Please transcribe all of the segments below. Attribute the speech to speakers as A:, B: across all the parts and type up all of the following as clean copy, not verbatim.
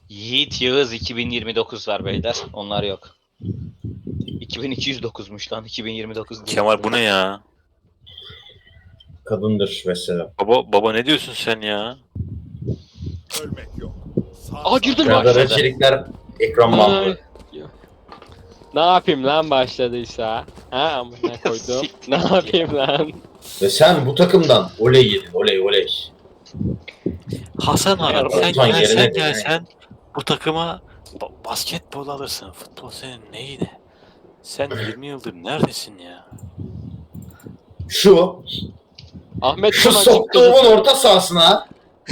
A: Yiğit Yağız 2029 var beyler. Onlar yok. 2209'muş lan 2029 değil.
B: Kemal bu ne ya?
C: Kadındır mesela.
B: Baba ne diyorsun sen ya?
D: Ölmek yok.
E: Aa girdim
C: Ya da
E: başladı.
C: içerikler ekran bandı.
E: Ne yapayım lan başladıysa? Ha amına koydum. Ne yapayım lan?
C: Ve sen bu takımdan oley yedin. Oley oley.
B: Hasan abi sen
C: Ortan yerine
B: gelsen
C: de yani.
B: gelsen bu takıma basketbol alırsın. Futbol senin neydi? Sen 20 yıldır neredesin ya?
C: Şu
E: Ahmet
C: şu
E: Konan
C: soktuğumun
E: çıktı.
C: orta sahasına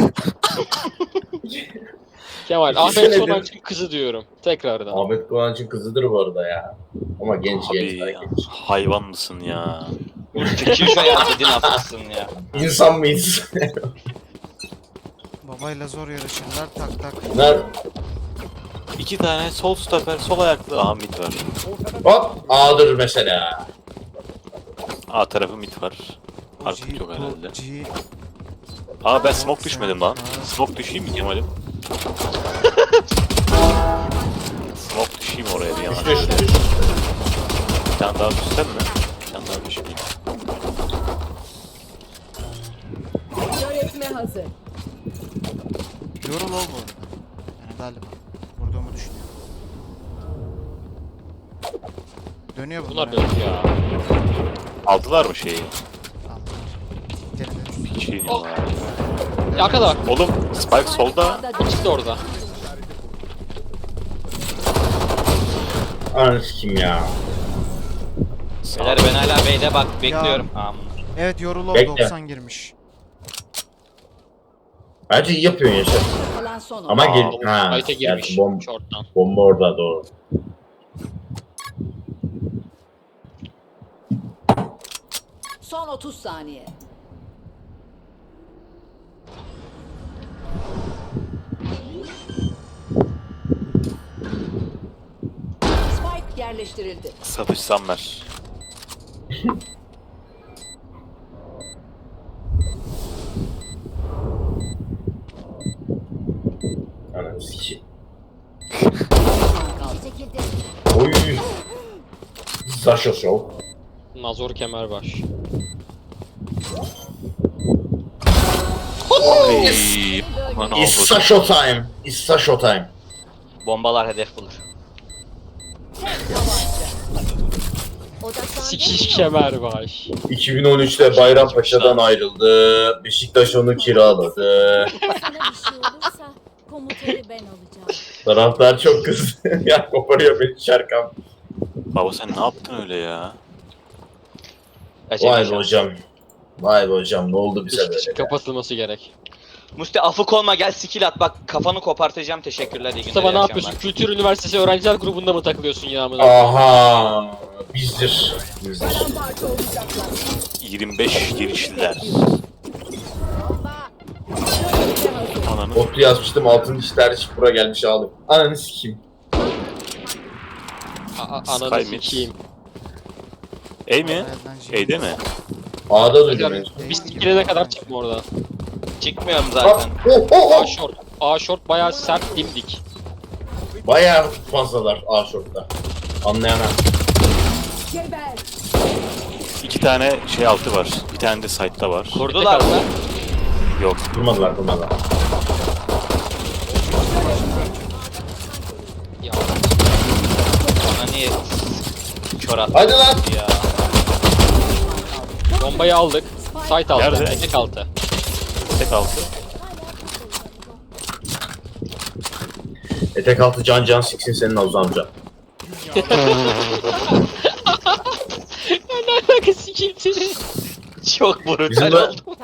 E: Kemal
C: İki
E: Ahmet
C: senedir-
E: Konancı'nın kızı diyorum. Tekrardan.
C: Ahmet Kıvanç'ın kızıdır bu arada ya. Ama genç
B: Abi
C: daha
B: ya,
C: genç.
B: hayvan mısın ya?
A: Çekil şu ya dedin haklısın ya.
C: İnsan mıyız?
F: Babayla zor yarışırlar tak tak.
C: Bunlar
B: 2 tane sol stoper, sol ayaklı Ahmet var.
C: hop A'dır mesela.
B: A tarafı mid var. Artık
F: G,
B: yok herhalde.
F: G.
B: Aa ben smoke düşmedim lan. Smoke düşeyim mi Kemal'im? Smoke düşeyim oraya bir yana.
C: Düş.
B: Bir tane daha düşsem mi? Bir tane daha düşmeyeyim.
G: Öğretme hazır.
F: Yorul ol bu arada. Yani galiba. Vurduğumu düşünüyorum. Dönüyor bunlar.
E: Bunlar dört ya.
B: Aldılar mı şeyi?
F: Tamam. Denedim.
B: Bir şey diyorlar.
E: Ya arkada bak.
B: Oğlum Spike solda.
E: İkisi de orada.
C: Ananı kim ya?
A: Beyler ben hala B'de bak bekliyorum. Aman.
F: Evet yorul ol
C: Bekle.
F: 90 girmiş.
C: Bence iyi yapıyorsun Yaşar.
G: Kalan son
C: Ama
G: oyun.
C: gel.
E: Aa,
C: Ha.
E: Ayte girmiş.
C: gerçi
E: Short'tan.
C: bomba orada doğru.
G: Son 30 saniye. Spike yerleştirildi.
B: Satış Sammer.
C: Ananı sikeyim.
G: Kaldı.
C: Oy. Sasha Show.
E: Nazor Kemerbaş.
B: Ey, aman
C: It's
B: Allah'ım.
C: Sasha time. It's Sasha time.
A: Bombalar hedef bulur.
E: Sikiş Kemerbaş.
C: 2013'te Bayrampaşa'dan ayrıldı. Beşiktaş onu kiraladı.
H: Sana bir şey olursa komutanı ben alacağım.
C: Taraftar çok kızdı. Ya koparıyor beni Şerkan.
B: Baba sen ne yaptın öyle ya?
C: Vay be hocam. Vay be hocam ne oldu bize
E: İş
C: böyle?
E: kapatılması gerek.
A: Musti afık olma gel skill at bak kafanı kopartacağım teşekkürler iyi günler.
E: Mustafa
A: iyi
E: ne
A: akşamlar.
E: yapıyorsun? Kültür Üniversitesi öğrenciler grubunda mı takılıyorsun ya amına?
C: Aha. Bizdir. Bizdir.
G: Paramparça olacaklar.
B: 25 girişliler. Ananı.
C: Otlu yazmıştım altın dişler şıpura gelmiş ağlık. Ananı sikeyim.
E: Ananı
B: Sky mid.
E: sikeyim.
B: Ey mi?
F: Babayla G.
B: Ey de mi?
C: A'da duydum en son.
E: Biz girene kadar çıkma oradan.
A: Çıkmıyorum
C: Ah,
A: zaten.
C: oh, oh,
E: A
C: oh.
E: short. A short bayağı sert dimdik.
C: Bayağı fazlalar A short'ta. Anlayana.
G: Geber.
B: 2 tane şey altı var. Bir tane de side'da var.
A: Kurdular mı?
B: Yok.
C: Durmadılar.
E: Ya
A: Bana niye kör attı
C: Hadi lan.
A: ya.
E: bombayı aldık. Site aldı.
B: Nerede?
E: Etek altı.
B: Tek altı.
C: Etek altı can siksin senin Oğuz amca.
E: Ne alaka sikeyim seni?
A: Çok
C: Bizim
A: brutal
C: de
A: oldu.